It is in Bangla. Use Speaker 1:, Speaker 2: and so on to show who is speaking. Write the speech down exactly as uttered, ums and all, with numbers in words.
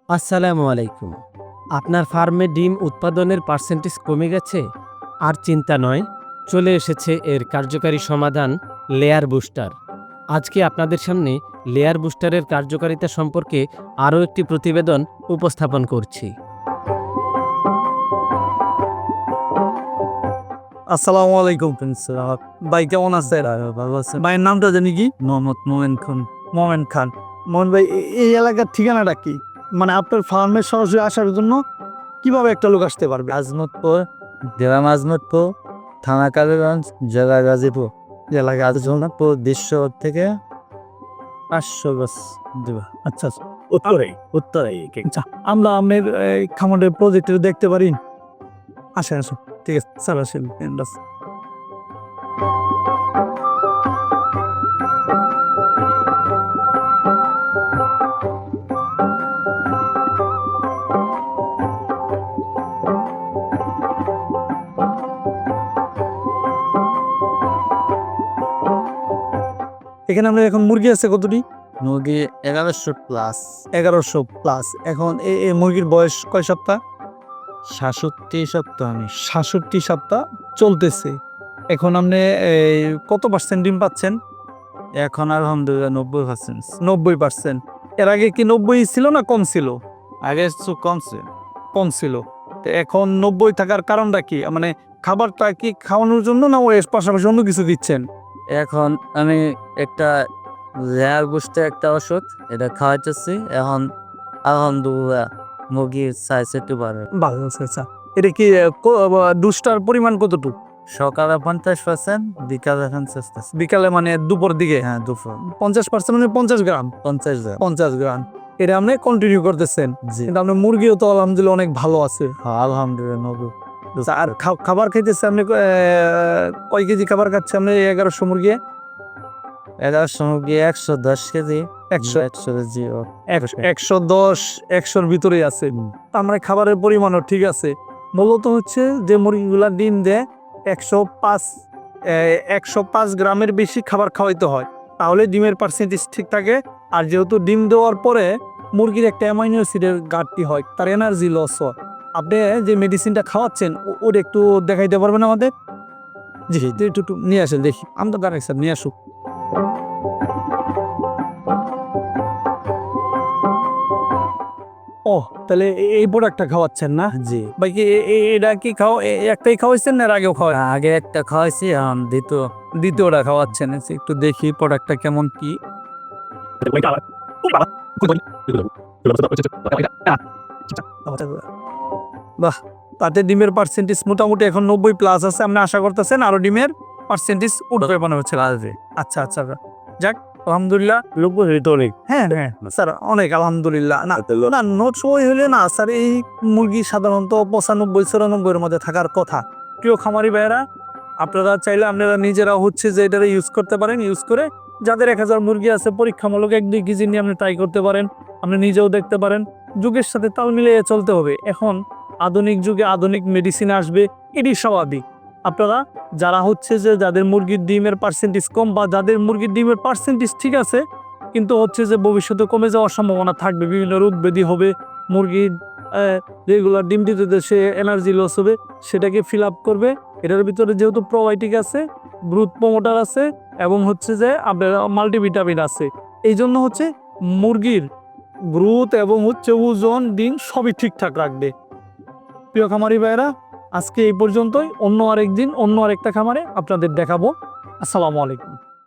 Speaker 1: আসসালামু আলাইকুম। আপনার ফার্মে ডিম উৎপাদনের পার্সেন্টেজ কমে গেছে? আর চিন্তা নয়, চলে এসেছে এর কার্যকারী সমাধান লেয়ার বুস্টার। আজকে আপনাদের সামনে লেয়ার বুস্টারের কার্যকারিতা সম্পর্কে আরও একটি প্রতিবেদন উপস্থাপন করছি।
Speaker 2: আসসালামু আলাইকুম ভাই, কেমন আছেন?
Speaker 3: ভালো আছেন?
Speaker 2: ভাইয়ের নামটা জানি কি?
Speaker 3: মোহাম্মদ মোমেন খান।
Speaker 2: মোমেন খান। মোহন ভাই, এ- এই এলাকার ঠিকানাটা কি? মানে আপনার ফার্মে সরাসরি আসার জন্য কিভাবে একটা লোক আসতে পারবে?
Speaker 3: আজমতপুর, জেলা আজমতপুর, থানা কালীগঞ্জ, জেলা গাজীপুর।
Speaker 2: জেলা
Speaker 3: আজমতপুর দৃশ্য থেকে পাঁচশো গজ দেবা।
Speaker 2: আচ্ছা, উত্তরে উত্তরে আচ্ছা, আমরা আপনার এই, খামারের প্রজেক্ট দেখতে পারি? আসেন আসুন, ঠিক আছে স্যার, আসেন। বাস। এখানে আমরা এখন মুরগি আছে কতটি?
Speaker 3: মুরগি এগারোশো প্লাস,
Speaker 2: এগারোশো প্লাস। এখন এই এই মুরগির বয়স কয় সপ্তাহ?
Speaker 3: সাতষট্টি সপ্তাহ আমি
Speaker 2: সাতষট্টি সপ্তাহ চলতেছে। এখন আপনি এই, কত পার্সেন্ট ডিম পাচ্ছেন?
Speaker 3: এখন আলহামদুলিল্লাহ নব্বই পার্সেন্ট।
Speaker 2: নব্বই পার্সেন্ট। এর আগে কি নব্বই ছিল না কম ছিল?
Speaker 3: আগে একটু কমছে।
Speaker 2: কম ছিল। তো এখন নব্বই থাকার কারণটা কি? মানে খাবারটা কি খাওয়ানোর জন্য, না ওর পাশাপাশি অন্য কিছু দিচ্ছেন?
Speaker 3: এখন আমি একটা লেয়ার বুস্টে একটা ওষুধ এটা খাওয়াইতেছি। এখন আলহামদুলিল্লাহ মুরগির সাইজ একটু বাড়ে।
Speaker 2: ভালো আছে। আচ্ছা, এটা কি দুষ্টার পরিমাণ কতটুকু?
Speaker 3: সকালে পঞ্চাশ পার্সেন্ট, বিকালে পঞ্চাশ পার্সেন্ট।
Speaker 2: বিকালে মানে দুপুর দিকে?
Speaker 3: হ্যাঁ, দুপুর
Speaker 2: পঞ্চাশ পার্সেন্ট মানে পঞ্চাশ গ্রাম।
Speaker 3: পঞ্চাশ গ্রাম।
Speaker 2: পঞ্চাশ গ্রাম এটা আপনি কন্টিনিউ করতেছেন?
Speaker 3: জি,
Speaker 2: কিন্তু আপনার মুরগিও তো আলহামদুলিল্লাহ অনেক ভালো আছে।
Speaker 3: হ্যাঁ, আলহামদুলিল্লাহ নব্বই।
Speaker 2: আচ্ছা, আর খা- খাবার খাইতেছে আপনি আহ, কয় কেজি খাবার খাচ্ছে আপনি এই এগারোশো মুরগি?
Speaker 3: এগারোশো মুরগি একশো দশ কেজি।
Speaker 2: একশো
Speaker 3: একশো কেজি ও
Speaker 2: একশো একশো দশ একশোর ভিতরেই আছে। তার মানে খাবারের পরিমাণও ঠিক আছে। মূলত হচ্ছে যে মুরগিগুলা ডিম দেয় একশো পাঁচ একশো পাঁচ গ্রামের বেশি খাবার খাওয়াইতে হয়, তাহলে ডিমের পার্সেন্টেজ ঠিক থাকে। আর যেহেতু ডিম দেওয়ার পরে মুরগির একটা অ্যামাইনো অ্যাসিডের ঘাটতি হয়, তার এনার্জি লস হয়। আপনি যে মেডিসিনটা খাওয়াচ্ছেন ও- ওটা একটু দেখাইতে পারবেন আমাদের? জি, একটু একটু নিয়ে আসেন দেখি। আমি তো গাড়ি স্যার নিয়ে আসুক। ও, তাহলে এ- এই প্রোডাক্টটা খাওয়াচ্ছেন না?
Speaker 3: জি।
Speaker 2: ভাই কি এ- এ- এটা কি খাও এ- একটাই খাওয়াইছেন না এর আগেও খাওয়া?
Speaker 3: আগে একটা খাওয়াইছি, এখন দ্বিতীয়।
Speaker 2: দ্বিতীয়টা খাওয়াচ্ছেন। আচ্ছা, একটু দেখি প্রোডাক্টটা কেমন কি। বাহ, তাতে ডিমের পার্সেন্টেজ মোটামুটি এখন নব্বই প্লাস আছে। আপনি আশা করতেছেন আরো ডিমের পার্সেন্টেজ উঠবে মনে হচ্ছে?
Speaker 3: আসবে।
Speaker 2: আচ্ছা আচ্ছা, যাক আলহামদুলিল্লাহ।
Speaker 3: নব্বই তো অনেক।
Speaker 2: হ্যাঁ হ্যাঁ স্যার, অনেক আলহামদুলিল্লাহ। না না, নোট সময় হলে না স্যার, এই মুরগি সাধারণত পঁচানব্বই চুরানব্বইয়ের মধ্যে থাকার কথা। প্রিয় খামারি ভাইয়েরা, আপনারা চাইলে আপনারা নিজেরা হচ্ছে যে এটা ইউজ করতে পারেন। ইউজ করে যাদের এক হাজার মুরগি আছে, পরীক্ষামূলক এক দুই কেজি নিয়ে আপনি ট্রাই করতে পারেন। আপনি নিজেও দেখতে পারেন। যুগের সাথে তাল মিলিয়ে চলতে হবে। এখন আধুনিক যুগে আধুনিক মেডিসিন আসবে, এটি স্বাভাবিক। আপনারা যারা হচ্ছে যে যাদের মুরগির ডিমের পার্সেন্টেজ কম, বা যাদের মুরগির ডিমের পার্সেন্টেজ ঠিক আছে কিন্তু হচ্ছে যে ভবিষ্যতে কমে যাওয়ার সম্ভাবনা থাকবে, বিভিন্ন রোগ ব্যাধি হবে, মুরগির রেগুলার ডিম দিতে দিতে সে এনার্জি লস হবে, সেটাকে ফিল আপ করবে। এটার ভিতরে যেহেতু প্রোবায়োটিক আছে, গ্রোথ প্রমোটার আছে, এবং হচ্ছে যে আপনার মাল্টিভিটামিন আছে, এই জন্য হচ্ছে মুরগির গ্রোথ এবং হচ্ছে ওজন, ডিম সবই ঠিকঠাক রাখবে। প্রিয় খামারি ভাইয়েরা, আজকে এই পর্যন্তই। অন্য আরেকদিন অন্য আরেকটা খামারে আপনাদের দেখাবো। আসসালামু আলাইকুম।